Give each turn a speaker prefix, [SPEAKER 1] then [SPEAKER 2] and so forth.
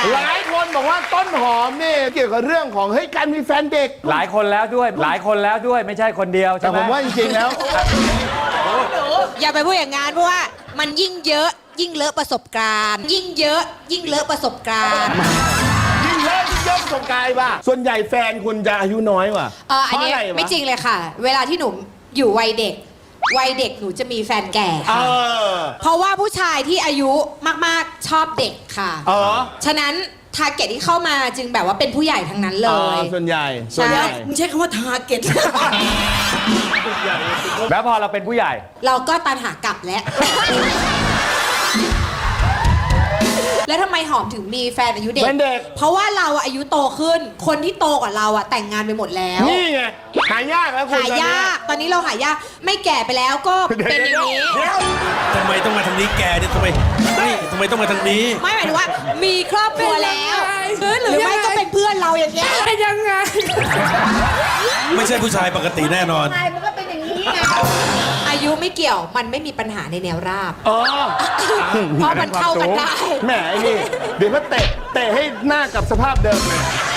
[SPEAKER 1] หลายคนบอกว่าต้นหอมนี่เกี่ยวกับเรื่องของเฮ้ยการมีแฟนเด็ก
[SPEAKER 2] หลายคนแล้วด้วยไม่ใช่คนเดียวใช่
[SPEAKER 1] แต่
[SPEAKER 2] ไหม
[SPEAKER 1] ผมว่าจริงๆแล้ว
[SPEAKER 3] อย่าไปพูดอย่างงั้นเพราะว่ามันยิ่งเยอะยิ่งเลอะประสบการณ์ ยิ่งเยอะยิ่งเลอะประสบการณ์
[SPEAKER 1] ยิ่งเลิกยิ่งเยอะประสบการณ์ป่ะส่วนใหญ่แฟนคุณจะอายุน้อยกว่า
[SPEAKER 3] อันนี้
[SPEAKER 1] เพราะอะไรวะ
[SPEAKER 3] ไม่จริงเลยค่ะ เวลาที่หนูอยู่วัยเด็กหนูจะมีแฟนแก่ค่ะเพราะว่าผู้ชายที่อายุมากๆชอบเด็กค่ะ ฉะนั้นทาร์เก็ตที่เข้ามาจึงแบบว่าเป็นผู้ใหญ่ทั้งนั้นเลย
[SPEAKER 1] ส่วนใหญ่
[SPEAKER 3] ใช่
[SPEAKER 4] มึงใช้คำว่าทาร์เก็ต
[SPEAKER 2] แล้วพอเราเป็นผู้ใหญ่
[SPEAKER 3] เราก็ตันหากลับแล้ว แล้วทำไมหอมถึงมีแฟนอายุเด็ก
[SPEAKER 1] เป็นเด็ก
[SPEAKER 3] เพราะว่าเราอายุโตขึ้น คนที่โตกว่าเราแต่งงานไปหมดแล้ว
[SPEAKER 1] นี่ไงหายากแล้วคุณ
[SPEAKER 3] หายาก ตอนนี้เราหายาก ไม่แก่ไปแล้วก็เป็นอย่างนี้
[SPEAKER 5] ทำไมต้องมาทางนี้แกเนี่ยทำไมต้องมาทางนี้
[SPEAKER 3] ไม่หมายถึงว่า มีครอบครัวแล้วหรือไม่ก็เป็นเพื่อนเราอย่างเงี้ยยังไง
[SPEAKER 5] ไม่ใช่ผู้ชายปกติแน่นอน
[SPEAKER 3] มันก็เป็นอย่างนี้ไงอายุไม่เกี่ยวมันไม่มีปัญหาในแนวราบ เพราะมันเข้ากันได้
[SPEAKER 1] แหมไอ้นี่เดี๋ยวก็เตะให้หน้ากลับสภาพเดิมเลย